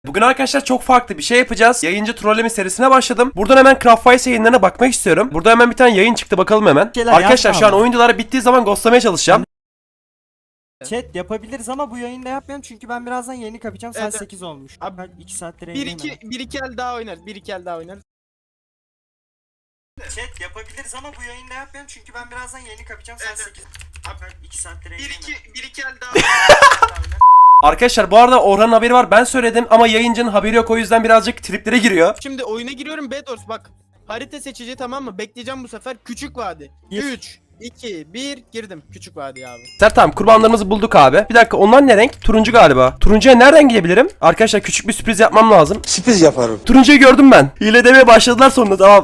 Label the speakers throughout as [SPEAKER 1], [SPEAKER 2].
[SPEAKER 1] Bugün arkadaşlar çok farklı bir şey yapacağız. Yayıncı trolleme serisine başladım. Buradan hemen Craftwise yayınlarına bakmak istiyorum. Burada hemen bir tane yayın çıktı, bakalım hemen. Arkadaşlar şu an oyunculara bittiği zaman ghostlamaya çalışacağım.
[SPEAKER 2] Chat yapabiliriz ama bu yayında yapmayalım çünkü ben birazdan yayını kapayacağım. Saat
[SPEAKER 3] Evet.
[SPEAKER 2] 8 olmuş.
[SPEAKER 3] Abi,
[SPEAKER 2] Abi 2 saattir
[SPEAKER 3] 1
[SPEAKER 2] yayındayım
[SPEAKER 3] 2 1 2 el daha oynarız. 1 2 el daha oynarız.
[SPEAKER 2] Chat yapabiliriz ama bu yayında yapmayalım çünkü ben birazdan yayını kapayacağım. Saat
[SPEAKER 3] Evet.
[SPEAKER 2] 8. Abi 2 saattir
[SPEAKER 3] 1
[SPEAKER 2] yayındayım.
[SPEAKER 3] 2 1 2 el daha oynarız.
[SPEAKER 1] Arkadaşlar bu arada Orhan'ın haberi var, ben söyledim ama yayıncının haberi yok, o yüzden birazcık triplere giriyor.
[SPEAKER 3] Şimdi oyuna giriyorum Bedors bak. Harita seçici, tamam mı? Bekleyeceğim bu sefer. Küçük vadi.
[SPEAKER 2] Bir.
[SPEAKER 3] 3 2 1 girdim. Küçük vadi abi.
[SPEAKER 1] Tamam, kurbanlarımızı bulduk abi. Bir dakika, onlar ne renk? Turuncu galiba. Turuncuya nereden gidebilirim? Arkadaşlar küçük bir sürpriz yapmam lazım.
[SPEAKER 4] Sürpriz yaparım.
[SPEAKER 1] Turuncuyu gördüm ben. Hile demeye başladılar sonunda, tamam.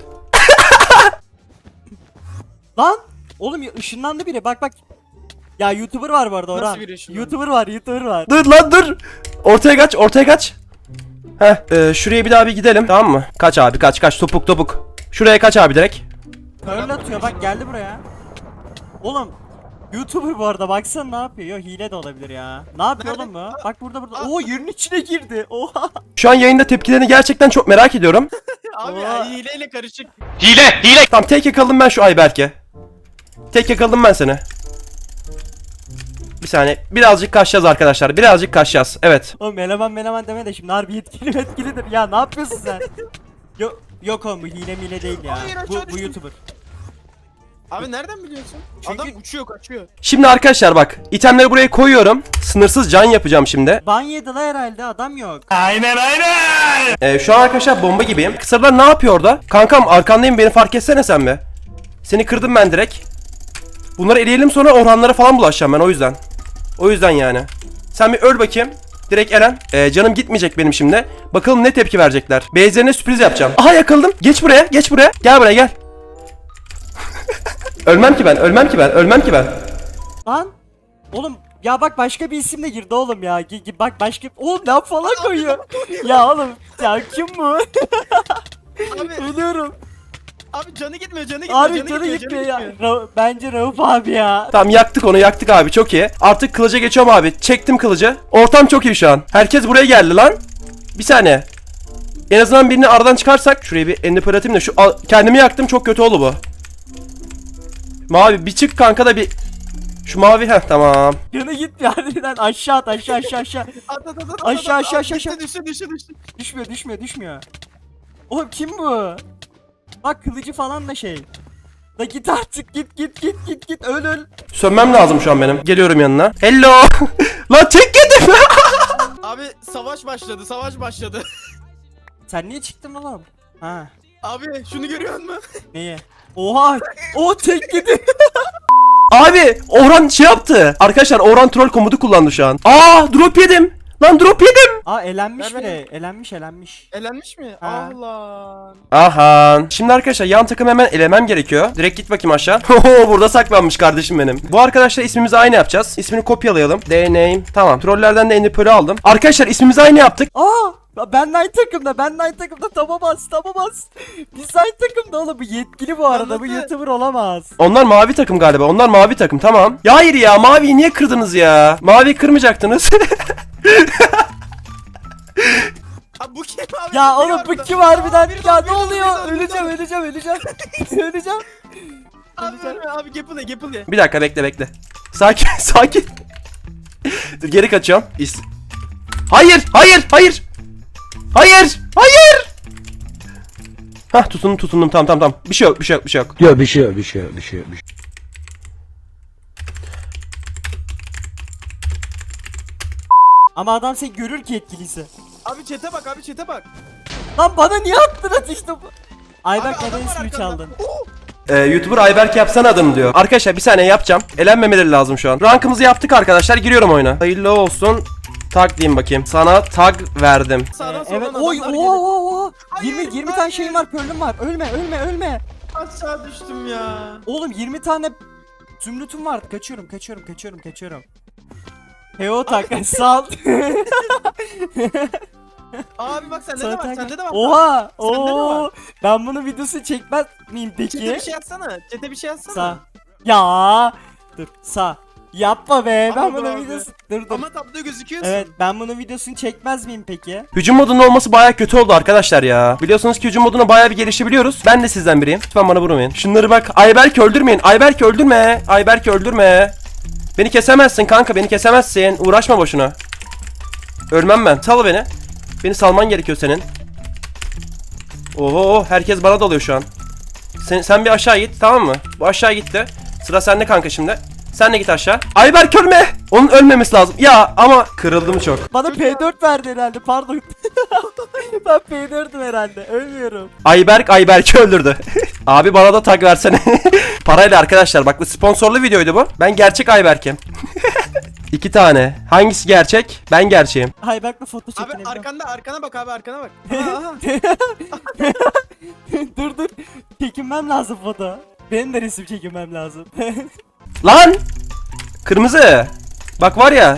[SPEAKER 2] Lan! Oğlum ya ışınlandı biri, bak bak. Ya YouTuber var bu arada Orhan.
[SPEAKER 3] Nasıl biri ışınlandı?
[SPEAKER 2] YouTuber var.
[SPEAKER 1] Dur lan dur. Ortaya kaç, ortaya kaç. Şuraya bir daha bir gidelim, tamam mı? Kaç abi, kaç topuk. Şuraya kaç abi direkt.
[SPEAKER 2] Pearl atıyor bak, geldi buraya. Oğlum YouTuber bu arada, baksana ne yapıyor. Yo, hile de olabilir ya. Ne yapıyor
[SPEAKER 3] Nerede?
[SPEAKER 2] oğlum bu? Bak burada. Oo, yerin içine girdi. Oha.
[SPEAKER 1] Şu an yayında tepkilerini gerçekten çok merak ediyorum.
[SPEAKER 3] Abi
[SPEAKER 2] Oha.
[SPEAKER 3] ya, hileyle karışık.
[SPEAKER 1] Hile. Tamam, tek yakaladım ben şu Ayberk'e. Tek yakaladım ben seni. Bir saniye. Birazcık kaçacağız arkadaşlar. Birazcık kaçacağız. Evet.
[SPEAKER 2] Oğlum eleman deme de şimdi harbi yetkilidir. Ya ne yapıyorsun sen? Yok oğlum, bu hile değil ya.
[SPEAKER 3] Hayır, aşağı
[SPEAKER 2] Bu
[SPEAKER 3] düştüm.
[SPEAKER 2] YouTuber.
[SPEAKER 3] Abi nereden biliyorsun?
[SPEAKER 2] Çünkü-
[SPEAKER 3] Adam uçuyor, kaçıyor.
[SPEAKER 1] Şimdi arkadaşlar bak. İtemleri buraya koyuyorum. Sınırsız can yapacağım şimdi.
[SPEAKER 2] Ban yedi la herhalde, adam yok.
[SPEAKER 1] Şu an arkadaşlar bomba gibiyim. Kısırlar ne yapıyor orada? Kankam arkandayım, beni fark etsene sen be. Seni kırdım ben direkt. Bunları eleyelim, sonra Orhanlara falan bulaşacağım ben, o yüzden. O yüzden yani. Sen bir öl bakayım. Direkt Eren. Canım gitmeyecek benim şimdi. Bakalım ne tepki verecekler. Base'lerine sürpriz yapacağım. Aha, yakaladım. Geç buraya. Gel buraya gel. ölmem ki ben.
[SPEAKER 2] Lan! Oğlum ya bak, başka bir isim de girdi oğlum ya. Bak başka... Oğlum laf falan koyuyor. Ya oğlum ya, kim bu?
[SPEAKER 3] Abi
[SPEAKER 2] Ölüyorum.
[SPEAKER 3] abi canı gitmiyor,
[SPEAKER 2] Abi canı gitmiyor ya. Bence Rauf abi ya.
[SPEAKER 1] Tamam, yaktık abi, çok iyi. Artık kılıca geçiyorum abi. Çektim kılıcı. Ortam çok iyi şu an. Herkes buraya geldi lan. Bir saniye. En azından birini aradan çıkarsak. Şuraya bir ender atayım da kendimi yaktım, çok kötü oldu bu. Mavi bir çık kanka da bir. Şu mavi, tamam.
[SPEAKER 2] Canı gitmiyor harbiden. Aşağı at. Aşağı.
[SPEAKER 3] At.
[SPEAKER 2] Aşağı.
[SPEAKER 3] Düştü.
[SPEAKER 2] Düşmüyor. Oğlum kim bu? Bak kılıcı falan da şey. Da git artık, git. Öl.
[SPEAKER 1] Sönmem lazım şu an benim. Geliyorum yanına. Hello. Lan tek yedim.
[SPEAKER 3] Abi savaş başladı.
[SPEAKER 2] Sen niye çıktın oğlum? Ha.
[SPEAKER 3] Abi şunu görüyor musun?
[SPEAKER 2] Neyi? Oha! O tek yedi.
[SPEAKER 1] Abi Orhan şey yaptı. Arkadaşlar Orhan troll komutu kullandı şu an. Drop yedim. Lan drop yedim.
[SPEAKER 2] Aa, elenmiş
[SPEAKER 3] Ver, ver.
[SPEAKER 2] bile. Elenmiş.
[SPEAKER 3] Elenmiş mi?
[SPEAKER 2] Ha.
[SPEAKER 3] Allah.
[SPEAKER 1] Aha. Şimdi arkadaşlar yan takım hemen elemem gerekiyor. Direkt git bakayım aşağı. Burada saklanmış kardeşim benim. Bu arkadaşlar ismimizi aynı yapacağız. İsmini kopyalayalım. Name. Tamam. Trollerden de Enderpearl'ü aldım. Arkadaşlar ismimizi aynı yaptık.
[SPEAKER 2] Ben aynı takımda tamam bas. Biz aynı takımda oğlum, bu yetkili bu arada, bu
[SPEAKER 3] Anladı.
[SPEAKER 2] YouTuber olamaz.
[SPEAKER 1] Onlar mavi takım galiba. Onlar mavi takım, tamam. Ya hayır ya, maviyi niye kırdınız ya? Maviyi kırmayacaktınız.
[SPEAKER 3] Abi bu kim abi?
[SPEAKER 2] Ya
[SPEAKER 3] Biri
[SPEAKER 2] oğlum
[SPEAKER 3] var
[SPEAKER 2] bu
[SPEAKER 3] burada.
[SPEAKER 2] kim harbiden?
[SPEAKER 3] Biri
[SPEAKER 2] Ya
[SPEAKER 3] daha,
[SPEAKER 2] ne
[SPEAKER 3] biri daha,
[SPEAKER 2] oluyor?
[SPEAKER 3] biri daha.
[SPEAKER 2] Öleceğim.
[SPEAKER 3] Abi ölme abi, Gapple ye.
[SPEAKER 1] Bir dakika, bekle. Sakin. Dur, geri kaçıyorum. Hayır. Hah, tutundum. Tamam. Bir şey yok.
[SPEAKER 4] Yok bir şey yok.
[SPEAKER 2] Ama adam seni görür ki yetkiliyse.
[SPEAKER 3] Abi chat'e bak.
[SPEAKER 2] Lan bana niye attın işte bu? Ayberk
[SPEAKER 3] Abi,
[SPEAKER 2] neden
[SPEAKER 3] adam var
[SPEAKER 2] ismini
[SPEAKER 3] arkanda.
[SPEAKER 2] çaldın?
[SPEAKER 1] YouTuber Ayberk yapsana adını diyor. Arkadaşlar bir saniye yapacağım. Elenmemeleri lazım şu an. Rankımızı yaptık arkadaşlar. Giriyorum oyuna. Hayırlı olsun. Tag diyeyim bakayım. Sana tag verdim.
[SPEAKER 3] Sağdan
[SPEAKER 2] Evet.
[SPEAKER 3] soldan
[SPEAKER 2] Oy.
[SPEAKER 3] adamlar geliyor.
[SPEAKER 2] 20 tane
[SPEAKER 3] hayır.
[SPEAKER 2] şeyim var, pearl'üm var. Ölme.
[SPEAKER 3] Aşağı düştüm ya.
[SPEAKER 2] Oğlum 20 tane zümrütüm var. Kaçıyorum. Heo tak. Sağ ol.
[SPEAKER 3] Abi bak sende de
[SPEAKER 2] Sana
[SPEAKER 3] var,
[SPEAKER 2] tak-
[SPEAKER 3] sende de var.
[SPEAKER 2] Oha.
[SPEAKER 3] Sende de var.
[SPEAKER 2] Ben bunu videosu çekmez miyim
[SPEAKER 3] Chat'e
[SPEAKER 2] peki?
[SPEAKER 3] bir şey yazsana.
[SPEAKER 2] Sağ. Ya. Dur. Sağ. Yapma be. Ben
[SPEAKER 3] Ama
[SPEAKER 2] bunun
[SPEAKER 3] abi.
[SPEAKER 2] videosu... Dur.
[SPEAKER 3] Ama tabloda gözüküyorsun.
[SPEAKER 2] Evet, ben bunun videosunu çekmez miyim peki?
[SPEAKER 1] Hücum modunun olması baya kötü oldu arkadaşlar ya. Biliyorsunuz ki hücum moduna baya bir gelişebiliyoruz. Ben de sizden biriyim. Lütfen bana vurmayın. Şunları bak. Ayberk öldürmeyin. Ayberk öldürme. Ayberk öldürme. Beni kesemezsin kanka, beni kesemezsin. Uğraşma boşuna. Ölmem ben. Sal beni. Beni salman gerekiyor senin. Oho, herkes bana dalıyor şu an. Sen bir aşağı git, tamam mı? Bu aşağı gitti. Sıra sende kanka şimdi. Sen de git aşağı. Ayberk ölme. Onun ölmemesi lazım. Ya ama kırıldım çok.
[SPEAKER 2] Bana P4 verdi herhalde, pardon. Ben P4'üm herhalde, ölmüyorum.
[SPEAKER 1] Ayberk'i öldürdü. Abi bana da tag versene. Parayla arkadaşlar, bak bu sponsorlu videoydu bu. Ben gerçek Ayberk'im. 2 tane. Hangisi gerçek? Ben gerçeğim.
[SPEAKER 2] Ayberk'le foto
[SPEAKER 3] Abi
[SPEAKER 2] çekinelim.
[SPEAKER 3] arkana bak abi, arkana bak. Aha.
[SPEAKER 2] Dur. Çekinmem lazım foto. Benim de resim çekinmem lazım.
[SPEAKER 1] Lan! Kırmızı. Bak var ya.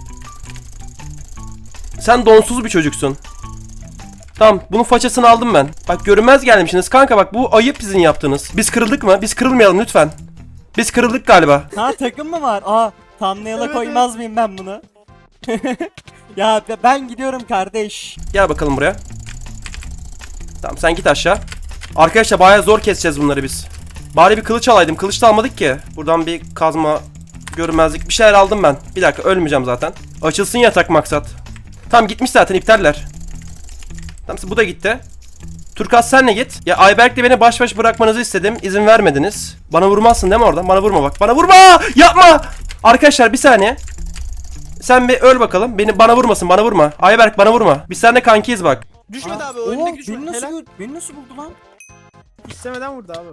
[SPEAKER 1] Sen donsuz bir çocuksun. Tamam, bunun façasını aldım ben. Bak görünmez gelmişsiniz kanka, bak bu ayıp sizin yaptığınız. Biz kırıldık mı? Biz kırılmayalım lütfen. Biz kırıldık galiba.
[SPEAKER 2] Ha, takım mı var? Aa, thumbnail'a
[SPEAKER 3] Evet,
[SPEAKER 2] koymaz mıyım ben bunu? Ya ben gidiyorum kardeş.
[SPEAKER 1] Gel bakalım buraya. Tamam, sen git aşağı. Arkadaşlar bayağı zor keseceğiz bunları biz. Bari bir kılıç alaydım. Kılıç da almadık ki. Buradan bir kazma, görünmezlik bir şeyler aldım ben. Bir dakika, ölmeyeceğim zaten. Açılsın yatak maksat. Tamam, gitmiş zaten, iptaller. Tamam, bu da gitti. Turkas senle git. Ya Ayberk'le beni baş baş bırakmanızı istedim. İzin vermediniz. Bana vurmazsın değil mi oradan? Bana vurma bak. Bana vurma! Yapma! Arkadaşlar bir saniye. Sen bir öl bakalım. Bana vurmasın, bana vurma. Ayberk bana vurma. Biz seninle kankiyiz bak.
[SPEAKER 3] Düşmedi abi, o
[SPEAKER 2] Oo,
[SPEAKER 3] önündeki düşmedi.
[SPEAKER 2] beni nasıl,
[SPEAKER 3] Helal.
[SPEAKER 2] beni nasıl buldu lan?
[SPEAKER 3] İstemeden vurdu abi.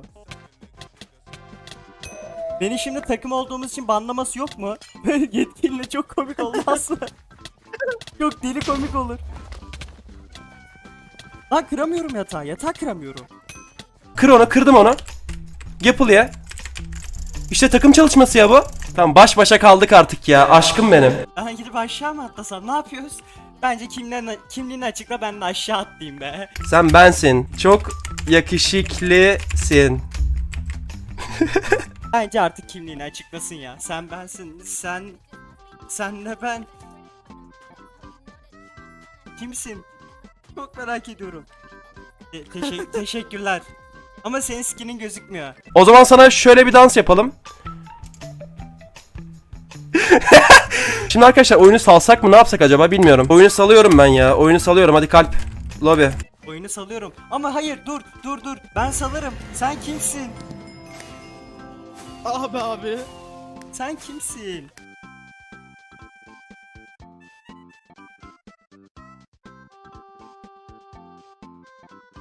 [SPEAKER 2] Beni şimdi takım olduğumuz için banlaması yok mu? Yetkiliyle çok komik olmaz mı? Çok deli komik olur. Lan kıramıyorum yatağı. Yatağı kıramıyorum.
[SPEAKER 1] Kır onu, kırdım onu. Yapıl ya. İşte takım çalışması ya bu. Tamam, baş başa kaldık artık ya. Aşkım benim.
[SPEAKER 2] Ben gidip aşağı mı atlasam? Ne yapıyoruz? Bence kimliğini açıkla, ben de aşağı atlayayım be.
[SPEAKER 1] Sen bensin. Çok yakışıklısın.
[SPEAKER 2] Bence artık kimliğini açıklasın ya. Sen bensin. Senle ben. Kimsin? Çok merak ediyorum. Teşekkürler. Ama senin skinin gözükmüyor.
[SPEAKER 1] O zaman sana şöyle bir dans yapalım. Şimdi arkadaşlar oyunu salsak mı, ne yapsak acaba bilmiyorum. Oyunu salıyorum ben ya. Oyunu salıyorum, hadi kalp. Lobby.
[SPEAKER 2] Oyunu salıyorum. Ama hayır, dur. Ben salarım. Sen kimsin?
[SPEAKER 3] Abi.
[SPEAKER 2] Sen kimsin?